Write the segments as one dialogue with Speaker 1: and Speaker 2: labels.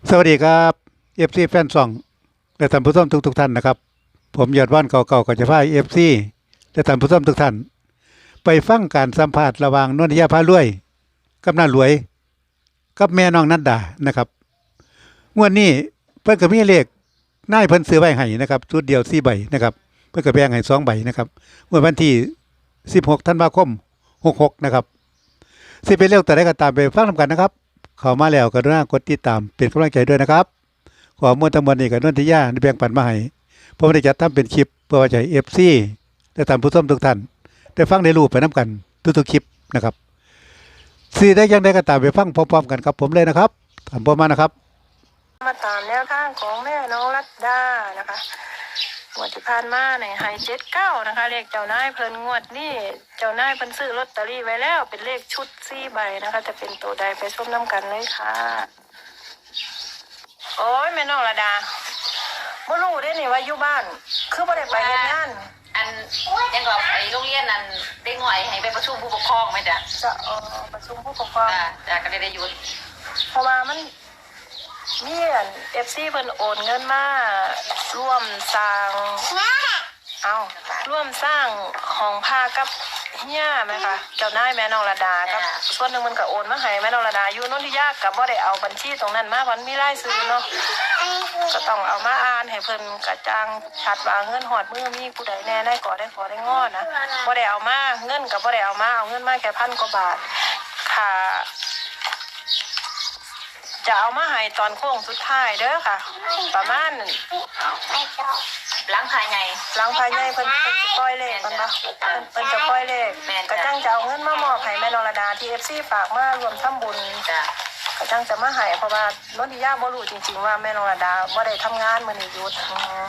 Speaker 1: สวัสดีครับเอฟซีแฟนซองและท่านผู้ชมทุกท่านนะครับผมยอดว่านเก่าๆก็จะพาเอฟซีและท่านผู้ชมทุกท่านไปฟังการสัมภาษณ์ระหว่างนนทิยาพารวยกับน้ารวยกับแม่น้องนัดดานะครับงวดนี้เพิ่นก็มีเลขนายเพิ่นซื้อไว้ให้นะครับชุดเดียว4ใบนะครับเพิ่นก็แบ่งให้2ใบนะครับงวดวันที่16ธันวาคม66นะครับสิเป็นเรื่องแต่ใดก็ตามไปฟังนำกันนะครับเข้ามาแล้วก็กรุณากดติดตามเป็นกำลังใจด้วยนะครับขอมวลทั้งหมดนี้กับนนทิยาได้แบ่งปันมาให้ผมได้จัดทำเป็นคลิปเพื่อว่าจะให้ FC และท่านผู้ชมทุกท่านได้ฟังได้รู้ไปนํกันทุกๆคลิปนะครับสิได้ยังได้ก็ตามไปฟังพร้อมๆกันครับผมเลยนะครับตามผมมานะครับ
Speaker 2: มาตามแนวทางของแม่น้องรัตดานะคะงวดที่ผ่านมาในไฮ79นะคะเลขเจ้านายเพิ่นงวดนี่เจ้านายเพิ่นซื้อลอตเตอรี่ไว้แล้วเป็นเลขชุด4ใบนะคะจะเป็นตัวใดไปชมน้ำกันเลยค่ะโอ้ยแม่น้องรัตดาบ่รู้ได้นี่ว่าอยู่บ้านคือบ่ได้ไปเฮ็ดงาน
Speaker 3: อันยังก็ไอ้โรงเรียนนั้นเด็กหน่อยให้ไปประชุมผู้ปกครองไหมจ๊ะ
Speaker 2: จะประชุมผู้ปกครอง
Speaker 3: จ้ะก็ได้หยุด
Speaker 2: เพราะว่ามันมีFC เพิ่นโอนเงินมาร่วมสร้างร่วมสร้างห้องพักกับเฮียไหมคะเจ้านายแม่น้องระดากับส่วนหนึ่งมันก็โอนมาให้แม่น้องระดาอยู่นนทิยากับบ่ได้เอาบัญชีตรงนั้นมาเพราะมีรายชื่อเนาะก็ต้องเอามาอ่านให้เพิ่นกระจ่างชัดว่าเงินหอดมือมีผู้ใดแน่ได้ก่อได้ขอได้งอนะบ่ได้เอามาเงินก็บ่ได้เอามาเอาเงินมาแค่1,000 กว่าบาทค่ะจะเอามาให้ตอนโค้งสุดท้ายเด้อค่ะประมาณ
Speaker 3: ล้างภายใน
Speaker 2: เพิ่นจะปล่อยเลขมันบ่เพิ่นจะปล่อยเลขกระจังจะเอาเงินมามอบให้แม่นรดาที่ FC ฝากมารวมทำบุญ
Speaker 3: จ้ะ
Speaker 2: กระจังจะมาให้เพราะว่านนทิยาบ่รู้จริงๆว่าแม่นรดาบ่ได้ทำงานมื้อนี้หยุด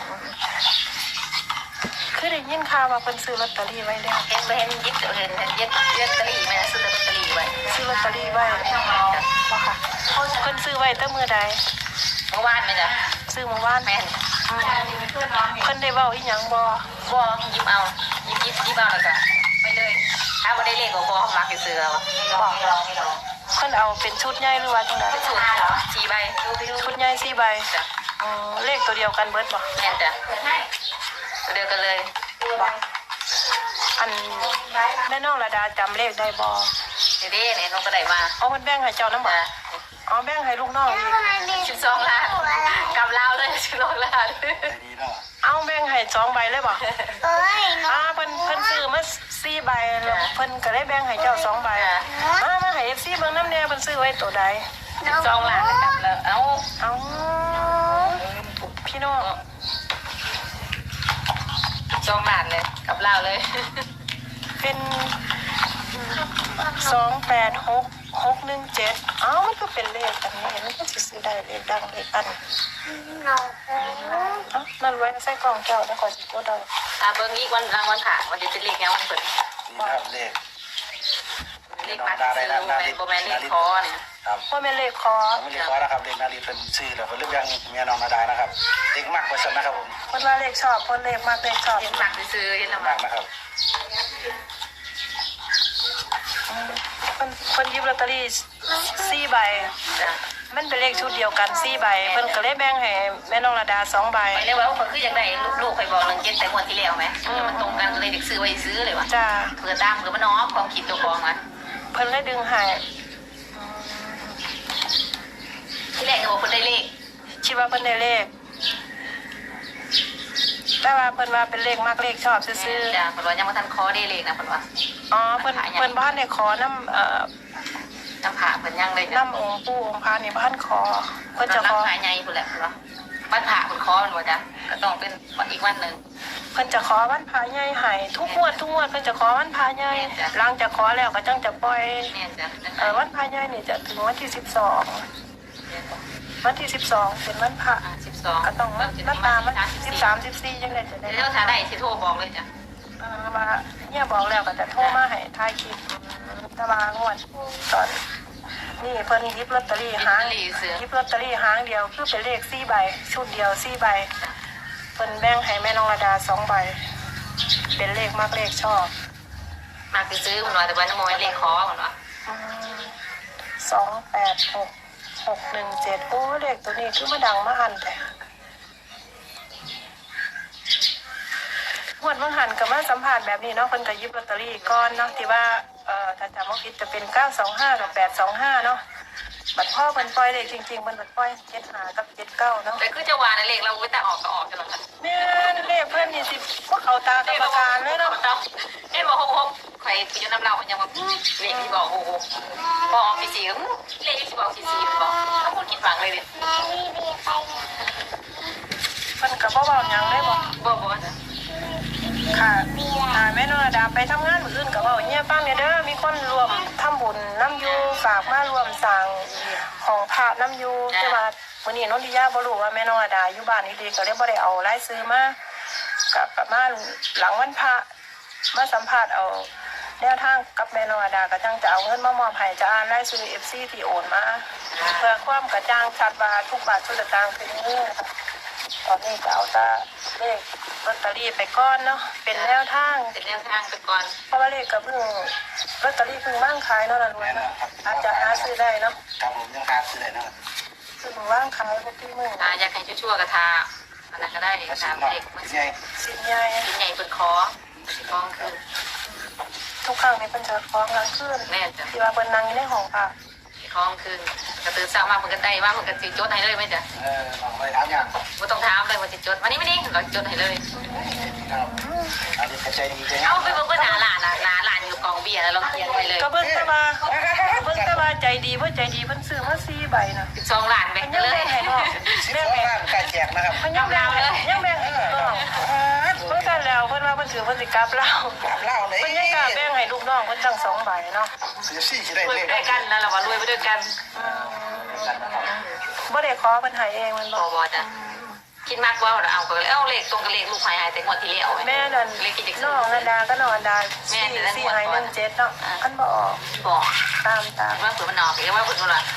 Speaker 2: คือได้ยินข่าวว่าเพิ่นซื้อลอตเตอรี่ไว้แล้ว
Speaker 3: เห็นยิบเห็นยิบลอตเตอรี่ไหมนะซื้อลอตเตอรี่ไว้
Speaker 2: ซื้อลอตเตอรี่ไว้บ่ค่ะเพิ่นซื้อไว้แต่มื้อใด
Speaker 3: เมื่อวานไหมจ๊ะ
Speaker 2: ซื้อเมื่อวาน
Speaker 3: แม่น
Speaker 2: เพิ่นได้เว้าอีหยังบ่
Speaker 3: ยิบเอาแล้วก็ไปเลยถ้าบ่ได้เลขก็บ่มักสิซื้อเอา
Speaker 2: เพิ่นเอาเป็นชุดใหญ่หรือว่าจังได๋
Speaker 3: ชุด4ใบ
Speaker 2: ชุดใหญ่4ใบ
Speaker 3: จ้ะ
Speaker 2: เลขตัวเดียวกันเบิดบ่
Speaker 3: แม่นจ้ะตัวเดียวกันเลย
Speaker 2: บ่อันแม่น้องระดาจำเลขได้บ่
Speaker 3: เด้เนี่ยน้องก็ได้มา
Speaker 2: เพิ่นแบ่งให้เจ้านำบ่แบ่งให้ลูกน้องอีก
Speaker 3: 12 ล้านกำลาวเลย12 ล้าน
Speaker 2: แบ่งให้2ใบเลยบ่เพิ่นซื้อมา4ใบแล้วเพิ่นก็ได้แบ่งให้เจ้า2ใบมาให้ FC เบิ่งนำแน่เพิ่นซื้อไว้ตัวใด
Speaker 3: 12 ล้านกับแล้ว
Speaker 2: พี่น้อง
Speaker 3: 2 ล้านเลยกับลาวเลย
Speaker 2: เป็น286617มันก็เป็นเลขอันนี้มันก็สิซื้อได้เลขดังเลขอันนั่นไว้ใส่กล่องเจ้าแล้วก็สิกดเอา
Speaker 3: เบิ่งอีกวันรางวัลผ่าวันนี้เป็นเลขยังวันเปิดเลขมาได้แล้วบ่แม่นเลขคอนี่
Speaker 2: ครับบ่แม่นเลขคอ
Speaker 4: นะครับเลขนาฬิกาเป็นชื่อแล้วเพิ่นเรียกยังเมียน้องนาดานะครับเลขมากกว่าฉันนะครับผม
Speaker 2: เพิ่นว่าเลขชอบเพิ่นเลขมากเลขชอบ
Speaker 3: เลขมากซื้อเห็นแล้ว
Speaker 4: มากนะครับ
Speaker 2: เพิ่นหยิบลอตเตอรี่4ใบมันเป็นเลขชุดเดียวกัน4ใบเพิ่นก็เลยแบ่งให้แม่น้องระดา2ใบ
Speaker 3: ไปเลยว่าเพิ่นคืออยากได้ลูกๆข่อยบอก17แต่งวดที่แล้วมั้ยมันตรงกันเลยเด็กซื้อไว้ซื้อเลยว่ะ
Speaker 2: จ้า
Speaker 3: เผื่อตามเผื่อมันน้อความคิดตัวของอ่ะ
Speaker 2: เพิ่นเลยดึงให้
Speaker 3: ที่แรกก็บอกเพิ่นได้เลข
Speaker 2: คิดว่าเพิ่นได้เลขแต่ว่าเพิ่นว่าเป็นเลขมากเลขชอบซื่อ
Speaker 3: ๆจ้ะเพิ่นว่ายังบ่ทันขอได้เลขนะเพิ่นว่า
Speaker 2: เพิ่นบ่ทันได้ขอนำ
Speaker 3: น้ำผาเพิ่นยังเลย
Speaker 2: น้ำองค์ปู่องค์พระนี่บ่ทันขอเพิ่นจะขอ
Speaker 3: น้ำผาใหญ่พุ่นแหละเพิ่นว่าวันพระเพิ่นขอมันบ่จ้ะก็ต้องเป็นอีกวันนึง
Speaker 2: เพิ่นจะขอวันพระใหญ่ให้ทุกงวดเพิ่นจะขอวันพระใหญ่หลังจากขอแล้วก็จังจะปล่อยวันพระใหญ่นี่จะถึงวันที่12วันที่12เป็นวันพระ
Speaker 3: 12
Speaker 2: ก็ต้องมาตามวัน13 14จังได๋จะได้
Speaker 3: แล้วถ้าได้สิโทรบอกเลยจ้ะ
Speaker 2: ว่าเนี่ยบอกแล้วก็จะโทรมาให้ถ่ายคลิปตะวางวดตอนนี่เพิ่นหยิบลอตเตอรี่หางเดียวคือเป็นเลข4ใบชุดเดียว4ใบเพิ่นแบ่งให้แม่น้องระดา2ใบเป็นเลขมากเลขชอบ
Speaker 3: มากซื้อเพิ่นว่าแต่ว่าน้ำมอยเลขขอเพิ่นว่า
Speaker 2: 286 617โอ้เลขตัวนี้คือมาดังมาหันแต่งวดเมื่อหันกับมาสัมผัสแบบนี้เนาะเพิ่นก็หยิบลอตเตอรี่ก่อนเนาะที่ว่าถ้าจำไม่ผิดจะเป็น925กับ825เนาะบัตรพ่อเพิ่นปล่อยเลขจริงๆเพิ่นบัตรปล่อย75กับ79เนาะ
Speaker 3: แต่คือจะวานะเลขเราไว้แต่ออกก็ออกกันหรอกค่ะ
Speaker 2: แม่นเลขเพิ่นนี่สิพวกเขาตากรรมการเลยเนาะ
Speaker 3: เอ้บอก6ใครไปยนน้ำเรายังว่าเลขที่บอก6พอออก44ก็เลขที่บอก44มันบอกถ้าคนคิดฟังเลยดิ
Speaker 2: เพิ่นก็บ่เว้าหยังเลยบ่
Speaker 3: บอกนะ
Speaker 2: ค่ะแม่นรดาไปทำงานมื้ออื่นก็เว้าเฮียฟังเด้อมีคนรวมทำบุญน้ำอยู่ฝากมารวมสร้างของพระน้ำอยู่แต่ว่ามื้อนี้นนทิยาบ่รู้ว่าแม่นรดาอยู่บ้านดีๆก็เลยบ่ได้เอารายชื่อมาก็ประมาณหลังวันพระมาสัมภาษณ์เอาแนวทางกับแม่นรดาก็จังจะเอาเงินมามอบให้จะอ่านรายชื่อ FC ที่โอนมาเพื่อความกระจ่างชัดว่าทุกบาททุกสตางค์เป็นเงินค่ะตอนนี้ก็เอาแต่เลขลอตเตอรี่ไปก่อนเนาะเป็นแนวทาง
Speaker 3: เป็นแนวทางไปก่อน
Speaker 2: เพราะว่าเลขก็เพิ่งลอตเตอรี่เพิ่งว่างขายเนาะล่ะรวยเนาะอาจจะหาซื้อได้เนาะ
Speaker 4: ครับผมยังหาซื้อได้นะครับ
Speaker 2: เพิ่งว่างขายพวกที่มึง
Speaker 3: อยากให้ชั่วๆกระทาอันนั้นก็ได้
Speaker 4: กระสิ
Speaker 3: ตา
Speaker 4: บ
Speaker 3: ม
Speaker 4: เนาะ
Speaker 3: เลขมัน
Speaker 4: ใหญ่
Speaker 2: สินใหญ่
Speaker 3: ชิ้นใหญ่เป็นคอคองคือ
Speaker 2: ทุกครั้งนี่เพิ่นจะฟ้องกลางคืน
Speaker 3: แม่จ้ะ
Speaker 2: ที่ว่าเพิ่นนั่งอยู่ในห้องพระ
Speaker 3: คองคือกระตือเศร้ามากมันก็ได้ว่ามันก็สิจดให้เลยไหมจ๊ะ
Speaker 4: ลองไปถามอย่าง
Speaker 3: ไม่ต้องถามเลยว่าจะจดวันนี้เราจดให้เลย
Speaker 4: ครับอันนี้กระจายดีจัง
Speaker 3: เอาไปเบิ่งหนาหลานอยู่กองเบียร์แล้วเราเขียนไว้เลย
Speaker 2: ก็เบิ่งแต่ว่าใจดีเพิ่นซื้อมา4ใบน่ะ
Speaker 3: 12 ล้านแบ่งกันเลย
Speaker 4: สิบสองล้านไก่แจกนะครับ
Speaker 2: มันยังแบ่งให้ลูกน้องเพิ่นกันแล้วเพิ่นว่าเพิ่นซื้อเพิ่นสิกลับเรา
Speaker 4: ถามเล่าเลย
Speaker 2: เพิ่นยังกล้าแบ่งให้ลูกน้องเพิ่นตั้ง2ใบเนาะ
Speaker 4: ซื้อซี่จะได้
Speaker 3: รวย
Speaker 4: เล
Speaker 3: ไป
Speaker 4: ข
Speaker 3: ด้วยกันนะเราว่ารวยไปด้วยกัน
Speaker 2: บ่ได้ขอเพิ่นให้เองมัน
Speaker 3: บ
Speaker 2: บ่
Speaker 3: อกจ้ะคิดมากว่าเราเอาก็เลยเอาเลขตรงกับเลขลูกหายแต่งวดที่แล้ว
Speaker 2: แม่นั่น
Speaker 3: เลขกิจกร
Speaker 2: น้
Speaker 3: ร
Speaker 2: อง
Speaker 3: ม
Speaker 2: อันดาก็น้องอันดา
Speaker 3: แม่
Speaker 2: 4
Speaker 3: เดี๋ยวนั้น
Speaker 2: 4ให้17เนาะอันบ่ออก
Speaker 3: บอก
Speaker 2: ตาม
Speaker 3: ว่าเผื่อมันออกเรียกว่าเผื่อมันออก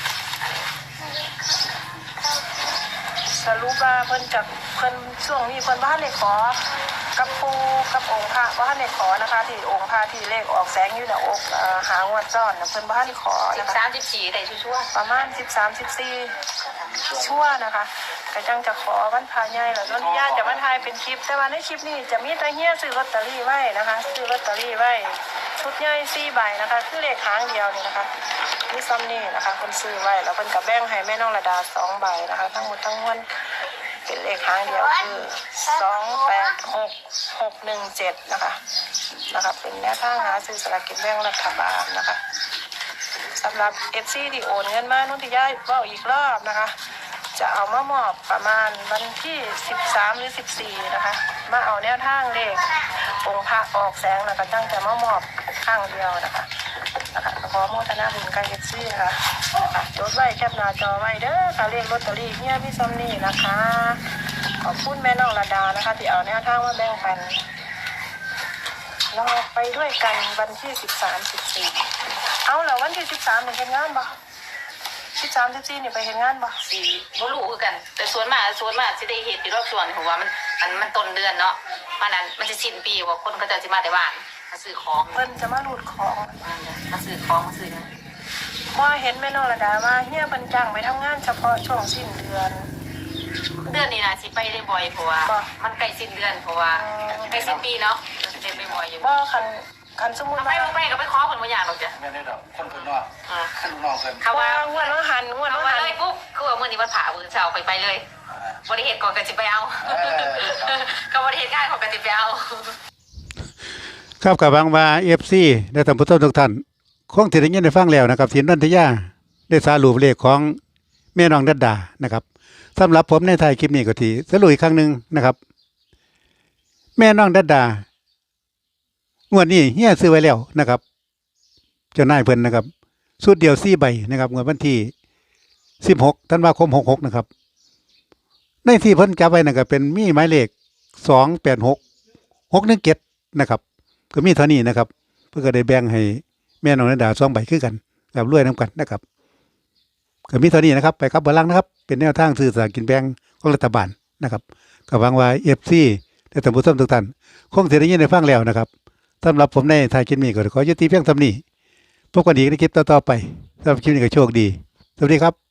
Speaker 2: สรุปว่าเพิ่นจากเพิ่นช่วงนี้เพิ่นบ่ทันได้ขอกับปู่กับองค์พระบ่ทันได้ขอนะคะที่องค์พระที่เลขออกแสงอยู่หน้าอกหางวดซ้อนน่ะเพิ่นบ่ทันได้ขอนะคะ
Speaker 3: 13 14ได้ชั่ว
Speaker 2: ประมาณ13-14ชั่วนะคะก็จังจะขอวันพระใหญ่แล้วนนทิยาจะมาถ่ายเป็นคลิปแต่ว่าในคลิปนี้จะมีแต่เฮียซื้อลอตเตอรี่ไว้นะคะซื้อลอตเตอรี่ไว้ชุดใหญ่4ใบนะคะคือเลขหางเดียวนี่นะคะมีซ้ำนี่นะคะเพิ่นซื้อไว้แล้วเพิ่นก็แบ่งให้แม่น้องระดา2ใบนะคะทั้งหมดทั้งมวลเป็นเลขหางเดียวคือ286617นะคะเป็นแนวทางหาซื้อสลากกินแบ่งรัฐบาลนะคะสำหรับ FC ที่โอนเงินมานุ่นที่ย้ายเว้าอีกรอบนะคะจะเอามามอบประมาณวันที่13หรือ14นะคะมาเอาแนวทางเลของค์พระออกแสงแล้วก็จังจะมามอบข้างเดียวนะคะขอโมทนาบุญกับ FC นะคะจดไว้แคปหน้าจอไว้เด้อค่ะเลขลอตเตอรี่เฮียพี่ซัมนี่นะคะขอบคุณแม่น้องระดานะคะที่เอาแนวทางมาแบ่งปันเราไปด้วยกันวันที่13-14เอาแล้ววันที่13นี่เฮ็ดงานบ่13-14นี่ไปเฮ็ดงานบ่
Speaker 3: ๆสี่บ่รู้คือกัน แต่ส่วนมากสิได้เฮ็ดอยู่รอบส่วนเพราะว่ามันต้นเดือนเนาะมันนั้นมันจะสิ้นปีว่าคนก็จะสิมาแต่บ้านมาซื้อของ
Speaker 2: เพิ่นจะมารูดของ
Speaker 3: มาซื้อของมาซื้อ
Speaker 2: บ่เห็นแม่น้องระดาว่าเฮียเพิ่นจ้างไปทำงานเฉพาะช่วงสิ้นเดือน
Speaker 3: เดือนนี้นะสิไปได้บ่อยเพราะว่ามันใกล้สิ้นเดือนเพราะว่าใกล้สิ้นปีเนาะจะได้ไปบ่อยอยู่
Speaker 2: บ่คันสมมุติ
Speaker 3: ไป
Speaker 2: ว่า
Speaker 3: ไปก็ไปขอเพิ่นบ่อยากหรอกจ้ะ
Speaker 4: ไม่ได้ดอกคนคนนอกคนนอกเพิ่น
Speaker 3: เขาว่า
Speaker 2: ว่างวดว่าหัน
Speaker 3: เขาว่าเลยปุ๊บคือว่ามื้อนี้วันผ่ามื้อเช้าไปเลยบ่ได้เฮ็ดก่อนก็สิไปเอาก็บ่ได้เฮ็ดง่ายก่อนก็สิไปเอา
Speaker 1: ครับกับหวังว่า FC และท่านผู้ชมทุกท่านคงสิได้ยินได้ฟังแล้วนะครับที่นนทิยาได้สรุปเลขของแม่น้องดัดดานะครับสำหรับผมในท้ายคลิปนี้ก็ที่สรุปอีกครั้งหนึงนะครับ แม่น้องดัดดางวดนี้เฮียซื้อไว้แล้วนะครับเจ้านายเพิ่นนะครับสุดเดียว4ใบนะครับงวดวันที่16ธันวาคม66นะครับในที่เพิ่นจับไว้นั่นก็เป็นมีหมายเลข286617นะครับก็มีเท่านี้นะครับเพื่อก็ได้แบ่งให้แม่น้องดัดดา2ใบคือกันกับรวยนํกันนะครับก็มีเท่านี้นะครับไปครับเบอร์ลังนะครับเป็นแนวทางซื้อสลากกินแบ่งของรัฐบาลนะครับก็หวังว่า FC และท่านผู้ชมทุกท่านคงสิได้ยินได้ฟังแล้วนะครับสำหรับผมในท้ายคลิปนี้ก็ขอยุติเพียงเท่านี้พบกันอีกในคลิปต่อๆไปสำหรับคลิปนี้ก็โชคดีสวัสดีครับ